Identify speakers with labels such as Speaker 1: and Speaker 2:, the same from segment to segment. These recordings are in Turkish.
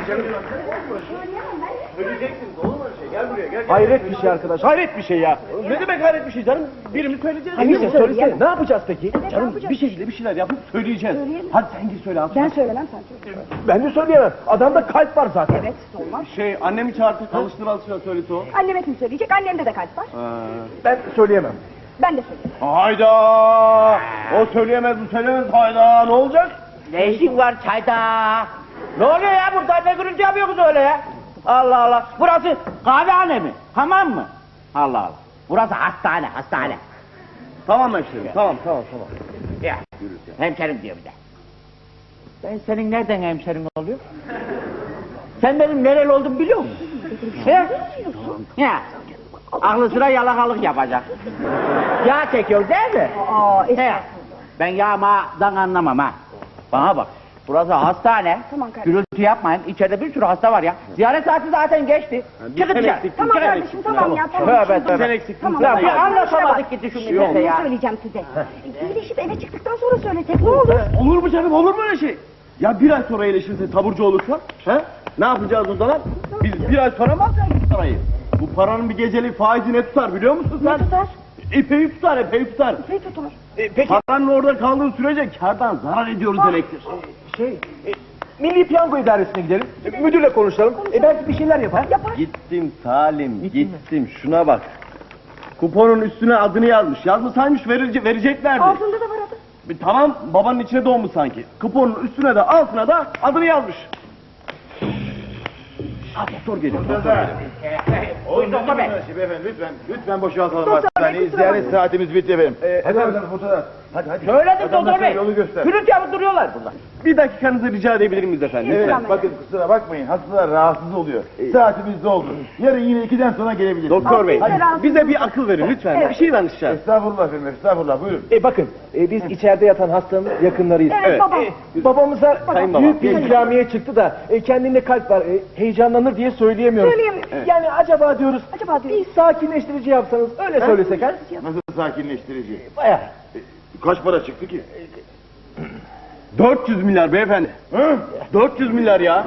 Speaker 1: Söyleyeceksiniz, olur mu öyle şey? Gel buraya, gel.
Speaker 2: Hayret bir şey arkadaş, hayret bir şey ya.
Speaker 1: Ne demek hayret bir şey canım? Birimiz söyleyeceğiz.
Speaker 2: Neyse söylesene, ne yapacağız peki?
Speaker 1: Canım bir şekilde bir şeyler yapıp söyleyeceğiz. Hadi sen gir söyle.
Speaker 3: Ben söylemem, sen söyle.
Speaker 2: Ben de söyleyemem, adamda kalp var zaten.
Speaker 3: Evet, olmaz.
Speaker 1: Annemi çağırtıp alıştır söylese o.
Speaker 3: Anneme kim söyleyecek? Annemde de kalp var.
Speaker 2: Ben söyleyemem.
Speaker 3: Ben de söyleyeyim.
Speaker 1: Hayda! O söyleyemez, bu söyleyemez. Hayda, ne olacak?
Speaker 4: Ne işin var çayda? Ne oluyor ya burada? Ne gürültü yapıyorsunuz öyle ya? Allah Allah. Burası kahvehane mi? Hamam mı? Allah Allah. Burası hastane, hastane.
Speaker 1: Tamam hemşerim, tamam.
Speaker 4: Ya, hemşerim diyor bir de. Ben senin nereden hemşerin oluyor? Sen benim nereli olduğumu biliyor musun? He? Ya, aklı sıra yalakalık yapacak. Yağ çekiyor değil mi? He. Ben yağmadan anlamam ha. Bana bak. Burası hastane.
Speaker 3: Tamam kardeşim.
Speaker 4: Gürültü yapmayın. İçeride bir sürü hasta var ya. Ziyaret saati zaten geçti. Çıkın dışarı.
Speaker 3: Tamam kardeşim, tamam ya, tamam.
Speaker 4: Tövbe.
Speaker 1: Sen eksiktin.
Speaker 3: Tamam,
Speaker 4: Ya
Speaker 3: tamam.
Speaker 4: bir anlaşamadık gitti şu millete
Speaker 3: Ne
Speaker 4: ya.
Speaker 3: söyleyeceğim size? İyileşip eve çıktıktan sonra söylesek ne olur?
Speaker 1: Olur mu canım, olur mu öyle şey? Ya bir ay sonra iyileşirse, taburcu olursa, he? Ne yapacağız o zaman? Biz bir ay sonra mı alacağız parayı? Bu paranın bir gecelik faizi ne tutar biliyor musun sen?
Speaker 3: Ne tutar?
Speaker 1: Epey tutar, epey tutar.
Speaker 3: Ne tutar?
Speaker 2: Peki,
Speaker 1: Paranın orada kaldığı sürece kârdan zarar ediyoruz demektir.
Speaker 2: Milli Piyango İdaresi'ne gidelim, müdürle konuşalım. Belki bir şeyler yapar.
Speaker 1: Gittim Salim, gittim. Şuna bak. Kuponun üstüne adını yazmış. Yazmasaymış vereceklerdi.
Speaker 3: Altında da var adı.
Speaker 1: Tamam, babanın içine doğmuş sanki. Kuponun üstüne de altına da adını yazmış. Doktor geliyor.
Speaker 4: Buyurun doktor bey.
Speaker 5: Beyefendi lütfen boşaltalım hastaneyi. Ziyaret saatimiz bitti efendim. Hadi fotoğraf. Hadi.
Speaker 4: Söyledim doktor bey.
Speaker 5: Yolu göster.
Speaker 4: Gürültü yapıp duruyorlar burada.
Speaker 1: Bir dakikanızı rica edebilir miyiz efendim?
Speaker 5: Evet,
Speaker 3: Lütfen.
Speaker 5: bakın kusura bakmayın. Hastalar rahatsız oluyor. Saatimiz doldu. Yarın yine 2'den sonra gelebilirsiniz.
Speaker 1: Doktor bey,
Speaker 3: Hadi.
Speaker 1: bize bir akıl verin lütfen.
Speaker 3: Evet.
Speaker 1: Bir şey danışacağız.
Speaker 5: Estağfurullah efendim, estağfurullah. Buyurun.
Speaker 2: Bakın, biz içeride yatan hastanın yakınlarıyız.
Speaker 3: Evet, babam.
Speaker 2: Babamıza
Speaker 1: Sayın babam.
Speaker 2: büyük bir ikramiye çıktı da kendinde kalp var, heyecanlanır diye söyleyemiyoruz.
Speaker 3: Söyleyemiyorum.
Speaker 2: Yani acaba diyoruz,
Speaker 3: Acaba diyoruz.
Speaker 2: bir sakinleştirici yapsanız, öyle söylesek ha?
Speaker 5: Nasıl sakinleştirici?
Speaker 2: Bayağı.
Speaker 5: Kaç para çıktı ki?
Speaker 1: 400 milyar beyefendi.
Speaker 5: Hı?
Speaker 1: 400 milyar ya.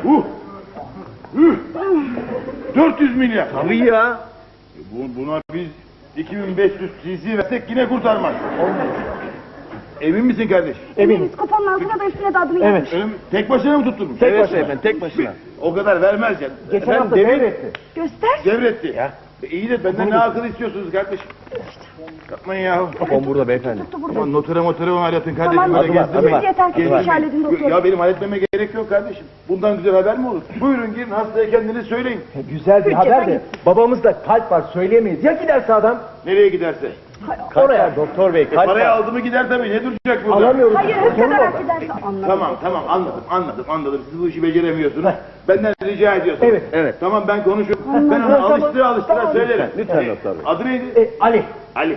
Speaker 5: 400 milyar.
Speaker 1: Tabii ya.
Speaker 5: Buna biz 2500 cc versek yine kurtarmaz. Emin misin kardeş?
Speaker 2: Eminim.
Speaker 3: Kuponun altına da üstüne de adını yazmış.
Speaker 5: Tek başına mı tutturmuş?
Speaker 2: Tek
Speaker 1: Evet
Speaker 2: başına.
Speaker 1: efendim, tek başına.
Speaker 5: O kadar vermez ya.
Speaker 2: Geçen hafta
Speaker 5: demin
Speaker 2: devretti.
Speaker 3: Göster.
Speaker 5: devretti. İyi de benden ne akıl istiyorsunuz kardeşim? Yapmayın ya.
Speaker 1: Kupon burada beyefendi.
Speaker 3: Tuttu burada.
Speaker 5: Aman notere hallettin kardeşim.
Speaker 3: Tamam,
Speaker 5: Böyle gezdirmeyin.
Speaker 3: siz yeter ki
Speaker 5: Gezdirmeyin.
Speaker 3: iş halledin doktor.
Speaker 5: Ya benim halletmeme gerek yok kardeşim. Bundan güzel haber mi olur? Buyurun girin hastaya kendiniz söyleyin.
Speaker 2: Güzel bir haber de, babamızda kalp var, söyleyemeyiz. Ya giderse adam?
Speaker 5: Nereye giderse.
Speaker 2: Oraya. Doktor bey, kalp
Speaker 5: Parayı
Speaker 2: var.
Speaker 5: aldı mı gider tabii. Ne duracak burada?
Speaker 2: Alamıyoruz.
Speaker 3: Hayır,
Speaker 2: Sorun
Speaker 3: hırsadarak
Speaker 2: orada.
Speaker 3: giderse anladım.
Speaker 5: Tamam anladım. Siz bu işi beceremiyorsunuz. Benden rica ediyorsunuz.
Speaker 2: Evet.
Speaker 5: Tamam ben konuşurum. Ben onu alıştıra
Speaker 2: Tamam.
Speaker 5: söylerim.
Speaker 1: Lütfen doktor bey.
Speaker 5: Adı neydi?
Speaker 2: Ali.
Speaker 5: Ali.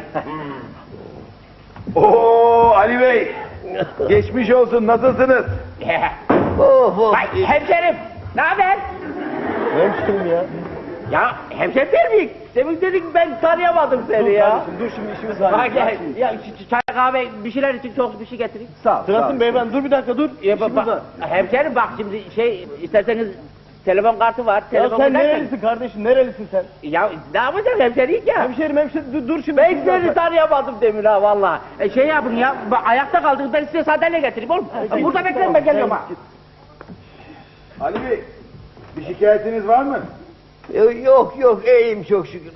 Speaker 5: Oo Ali Bey. Geçmiş olsun. Nasılsınız?
Speaker 4: Vay hemşerim. Ne haber?
Speaker 2: Hemşerim ya.
Speaker 4: Ya hemşerim değil miyim? Demin dedik ben tanıyamadım seni ya.
Speaker 2: Dur şimdi işimiz
Speaker 4: Ha
Speaker 2: var.
Speaker 4: gel. Ya çay kahve bir şeyler için çok bir şey getireyim.
Speaker 2: Sağ ol.
Speaker 1: Sırasın beyefendi, dur bir dakika dur.
Speaker 4: Ya bak, hemşerim bak şimdi isterseniz telefon kartı var.
Speaker 1: Ya
Speaker 4: Telefon
Speaker 1: sen
Speaker 4: gidersen-
Speaker 1: nerelisin kardeşim, nerelisin sen?
Speaker 4: Ya ne yapacağım hemşerim ya?
Speaker 1: Hemşerim, dur şimdi.
Speaker 4: Ben seni tanıyamadım demin ha valla. Şey yapın ya, ayakta kaldınız ben size sandalye getireyim oğlum. Burada bekleyin ben geliyorum ha.
Speaker 5: Ali Bey. Bir şikayetiniz var mı?
Speaker 6: Yok iyiyim çok şükür.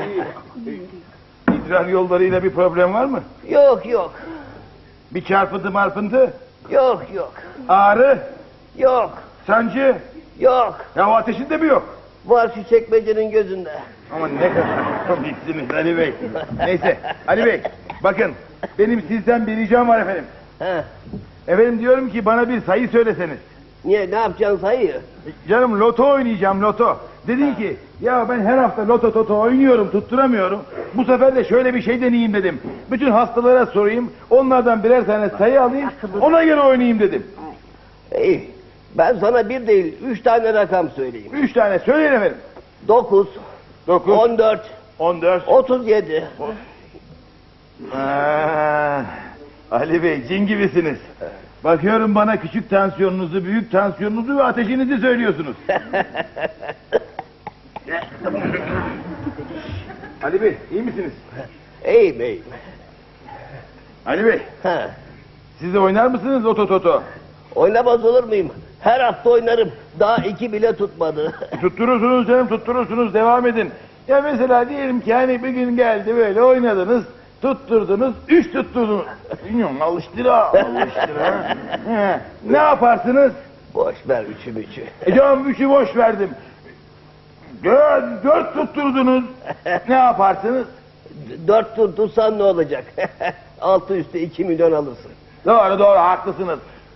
Speaker 5: İdrar yollarıyla bir problem var mı?
Speaker 6: yok
Speaker 5: Bir çarpıntı marpıntı?
Speaker 6: yok
Speaker 5: Ağrı?
Speaker 6: yok
Speaker 5: Sancı?
Speaker 6: yok.
Speaker 5: Ya o ateşin de mi yok?
Speaker 6: Var şu çekmecenin gözünde.
Speaker 5: Ama ne kadar komiksiniz Ali Bey. Neyse Ali Bey bakın benim sizden bir ricam var efendim.
Speaker 6: He.
Speaker 5: Efendim diyorum ki bana bir sayı söyleseniz.
Speaker 6: Niye ne yapacaksın sayı?
Speaker 5: Canım loto oynayacağım loto. Dedin ki ya ben her hafta loto toto oynuyorum tutturamıyorum. Bu sefer de şöyle bir şey deneyeyim dedim. Bütün hastalara sorayım onlardan birer tane sayı alayım ona göre oynayayım dedim.
Speaker 6: İyi. Ben sana bir değil 3 tane rakam söyleyeyim.
Speaker 5: 3 tane söyleyin efendim.
Speaker 6: 9,
Speaker 5: 9,
Speaker 6: 14,
Speaker 5: 14.
Speaker 6: 37.
Speaker 5: Ali Bey cin gibisiniz. Bakıyorum bana küçük tansiyonunuzu, büyük tansiyonunuzu ve ateşinizi söylüyorsunuz. Ali Bey, iyi misiniz?
Speaker 6: İyiyim iyiyim.
Speaker 5: Ali Bey,
Speaker 6: Ha.
Speaker 5: siz de oynar mısınız Loto Toto?
Speaker 6: Oynamaz olur muyum? Her hafta oynarım. Daha 2 bile tutmadı.
Speaker 5: Tutturursunuz canım, tutturursunuz, devam edin. Ya mesela diyelim ki hani bir gün geldi böyle oynadınız, tutturdunuz, 3 tutturdunuz. Bilmiyorum, alıştıra. He, ne yaparsınız?
Speaker 6: Boş ver üçü.
Speaker 5: Canım 3'ü boş verdim. 4 tutturdunuz, ne yaparsınız?
Speaker 6: 4 tuttursan ne olacak? Altı üstü 2 milyon alırsın.
Speaker 5: Doğru, haklısınız.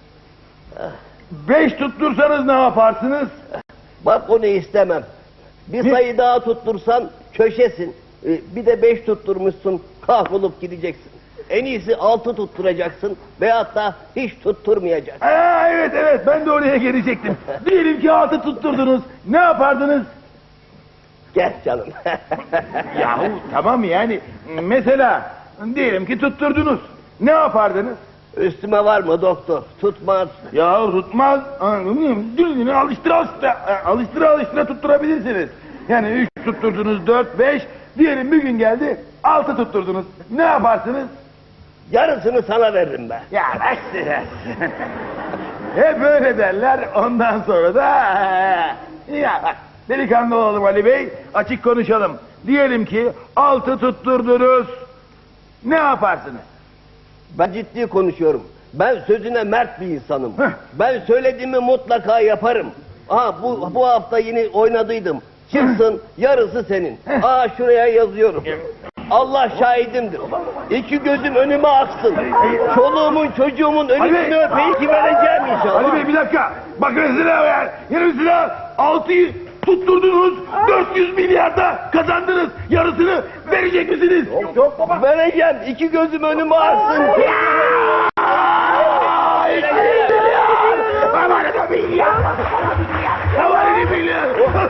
Speaker 5: 5 tuttursanız ne yaparsınız?
Speaker 6: Bak onu istemem. Bir sayı daha tuttursan köşesin. Bir de 5 tutturmuşsun, kahrolup gideceksin. En iyisi 6 tutturacaksın veyahut da hiç tutturmayacaksın.
Speaker 5: Evet, ben de oraya gelecektim. Diyelim ki 6 tutturdunuz, ne yapardınız?
Speaker 6: Gel canım.
Speaker 5: Yahu tamam yani, mesela diyelim ki tutturdunuz, ne yapardınız?
Speaker 6: Üstüme var mı doktor? Tutmaz.
Speaker 5: Ya tutmaz, dilini alıştıra tutturabilirsiniz. Yani 3 tutturdunuz, 4, 5, diyelim bir gün geldi 6 tutturdunuz, ne yaparsınız?
Speaker 6: Yarısını sana veririm ben.
Speaker 5: Ya bak size. Hep öyle derler, ondan sonra da... Ya bak, delikanlı olalım Ali Bey, açık konuşalım. Diyelim ki 6 tutturdunuz, ne yaparsınız?
Speaker 6: Ben ciddi konuşuyorum. Ben sözüne mert bir insanım.
Speaker 5: Heh.
Speaker 6: Ben söylediğimi mutlaka yaparım. Aha bu hafta yine oynadıydım. Çıksın yarısı senin. Aa şuraya yazıyorum. Allah şahidimdir. 2 gözüm önüme aksın. Çoluğumun çocuğumun önünü öpeyim ki vereceğim inşallah.
Speaker 5: Ali Bey bir dakika, bakın silah ver. Yeni silah, 6'yı tutturdunuz, 400 milyarda kazandınız. Yarısını verecek misiniz?
Speaker 6: Yok baba. Vereceğim. 2 gözüm önüme aksın.
Speaker 5: Aman da milyar. Aman da milyar.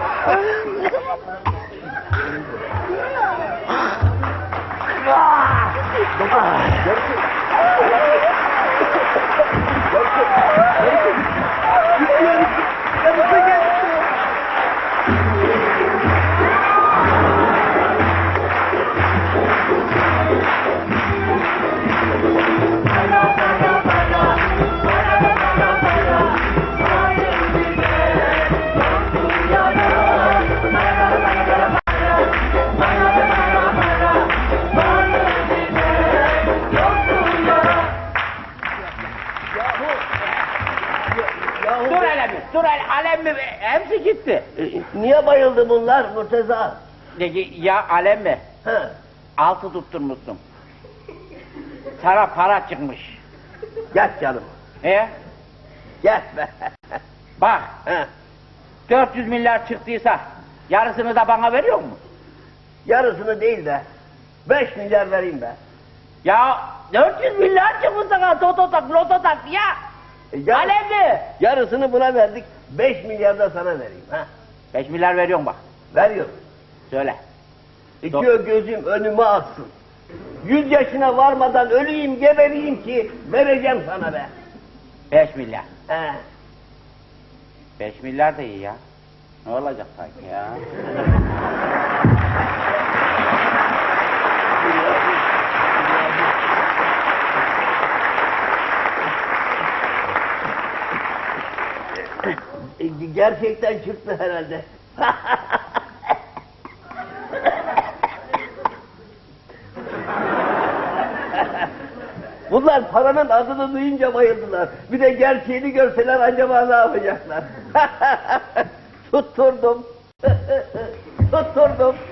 Speaker 4: Dur alem mi? Hepsi gitti.
Speaker 6: Niye bayıldı bunlar Murteza?
Speaker 4: Ya alem mi?
Speaker 6: Ha.
Speaker 4: 6 tutturmuşsun. Sana para çıkmış.
Speaker 6: Gel canım.
Speaker 4: Gel
Speaker 6: be.
Speaker 4: Bak.
Speaker 6: Ha.
Speaker 4: 400 milyar çıktıysa yarısını da bana veriyor mu?
Speaker 6: Yarısını değil de 5 milyar vereyim be.
Speaker 4: Ya 400 milyar çıkmış sana toto tak loto tak ya. Alem mi?
Speaker 6: Yarısını buna verdik. 5 milyar da sana vereyim. Ha.
Speaker 4: 5 milyar veriyorum bak.
Speaker 6: Veriyorum.
Speaker 4: Söyle.
Speaker 6: 2 gözüm önüme aksın. 100 yaşına varmadan öleyim gebereyim ki vereceğim sana be.
Speaker 4: 5 milyar.
Speaker 6: He.
Speaker 4: 5 milyar da iyi ya. Ne olacak sanki ya?
Speaker 6: Gerçekten çıktı herhalde. Bunlar paranın adını duyunca bayıldılar. Bir de gerçeğini görseler acaba ne yapacaklar? Tutturdum. Tutturdum.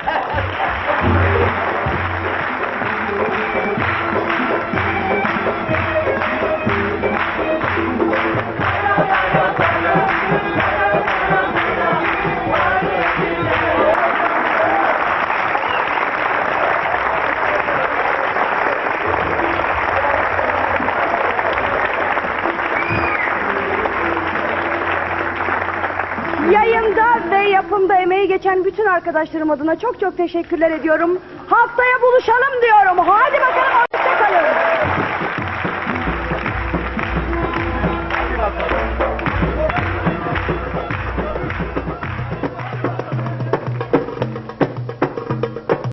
Speaker 3: Yayında ve yapımda emeği geçen bütün arkadaşlarım adına çok teşekkürler ediyorum. Haftaya buluşalım diyorum. Hadi bakalım.